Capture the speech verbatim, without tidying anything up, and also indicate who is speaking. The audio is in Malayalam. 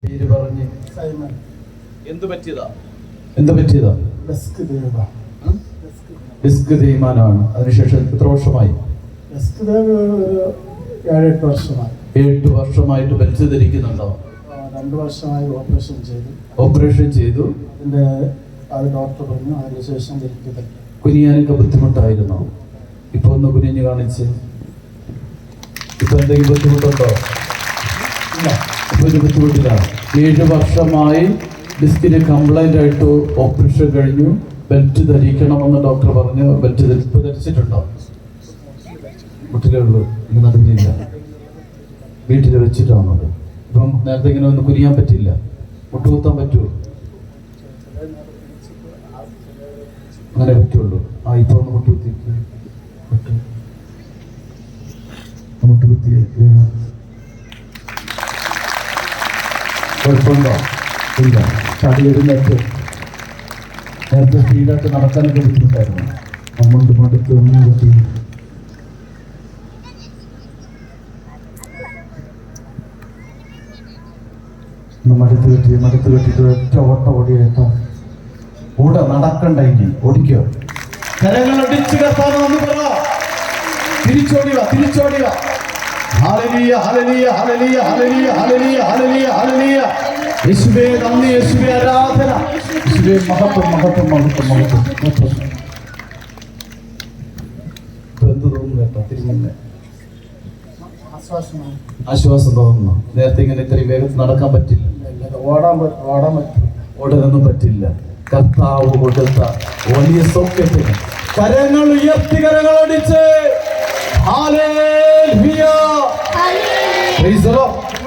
Speaker 1: പേര് പറഞ്ഞ്
Speaker 2: സൈമൺ.
Speaker 1: എന്ത് പറ്റിയതാ എന്ത് പറ്റിയതാ
Speaker 2: ഡെസ്ക് ദേവ
Speaker 1: ഡിസ്ക് തേയ്മാനമാണ്. അതിനുശേഷം എത്ര വർഷമായി?
Speaker 2: ഡെസ്ക് ദേവ് ഒരു ഏഴെട്ട് വർഷമായി.
Speaker 1: എട്ട് വർഷമായിട്ട് ബെൽറ്റ് ധരിക്കുന്നുണ്ടോ?
Speaker 2: രണ്ട് വർഷമായി ഓപ്പറേഷൻ ചെയ്തു
Speaker 1: ഓപ്പറേഷൻ ചെയ്തു
Speaker 2: അതിൻ്റെ അത് ഡോക്ടർ പറഞ്ഞു അതിന് ശേഷം ധരിക്കത്തില്ല.
Speaker 1: കുനിയാനൊക്കെ ബുദ്ധിമുട്ടായിരുന്നോ? ഇപ്പൊ ഒന്ന് കുനിഞ്ഞ് കാണിച്ച്. ഇപ്പൊ എന്തെങ്കിലും ബുദ്ധിമുട്ടുണ്ടോ? ഇല്ല, ഇപ്പൊ ഒരു ബുദ്ധിമുട്ടില്ല. ഏഴ് വർഷമായി ഡിസ്കിന് കംപ്ലൈന്റ് ആയിട്ട് ഓപ്പറേഷൻ കഴിഞ്ഞു. ബെൽറ്റ് ധരിക്കണമെന്ന് ഡോക്ടർ പറഞ്ഞു. ബെൽറ്റ് ഇപ്പൊ ധരിച്ചിട്ടുണ്ടോ? വീട്ടിലേ ഉള്ളൂ, ഇനി നടുവിലില്ല. വീട്ടിൽ വെച്ചിട്ടാണത്. ഇപ്പം നേരത്തെ ഇങ്ങനെ ഒന്ന് കുനിയാൻ പറ്റില്ല. മുട്ടുകുത്താൻ പറ്റുമോ? അങ്ങനെ പറ്റുള്ളൂ. ആ ഇപ്പൊ ഒന്ന് മുട്ടുകുത്തി മുട്ടുകുത്തി കുഴപ്പമുണ്ടോ? ഇല്ല. ചടി എഴുന്നേറ്റ് നേരത്തെ സ്പീഡായിട്ട് നടക്കാനൊക്കെ ബുദ്ധിമുട്ടായിരുന്നു. നമ്മളുടെ മടുത്ത് ഒന്നും പറ്റി. മടുത്ത് കെട്ടി മടുത്ത് കെട്ടിട്ട് ഒറ്റ ഓട്ട ഓടിയേട്ടോ. കൂടെ നടക്കണ്ട, ഇനി ഓടിക്കോ. കരങ്ങളൊടിച്ച് കത്താമെന്ന് പറ. തിരിച്ചോടിക തിരിച്ചോടിക. Hallelujah hallelujah hallelujah hallelujah hallelujah hallelujah hallelujah. യേശുവേ നന്ദി, യേശുവേ ആരാധന, യേശുവേ മഹത്വം മഹത്വം മഹത്വം മഹത്വം മഹത്വം. എന്ത് തോന്നുന്നു കേട്ടോ? തിരിഞ്ഞെ
Speaker 2: ആശ്വാസമാണ്.
Speaker 1: ആശ്വാസം തോന്നുന്നു. നേരത്തെ ഇങ്ങനെ ഇത്രയും വേഗത്തിൽ നടക്കാൻ പറ്റില്ല.
Speaker 2: ഓടാൻ ഓടാൻ പറ്റില്ല,
Speaker 1: ഓടാനൊന്നും പറ്റില്ല. കർത്താവ് കൊടുത്ത വലിയ സൗഖ്യത്തിന് കരങ്ങൾ ഉയർത്തി കരങ്ങളടിച്ച് ഹല്ലേലൂയ. Praise the Lord.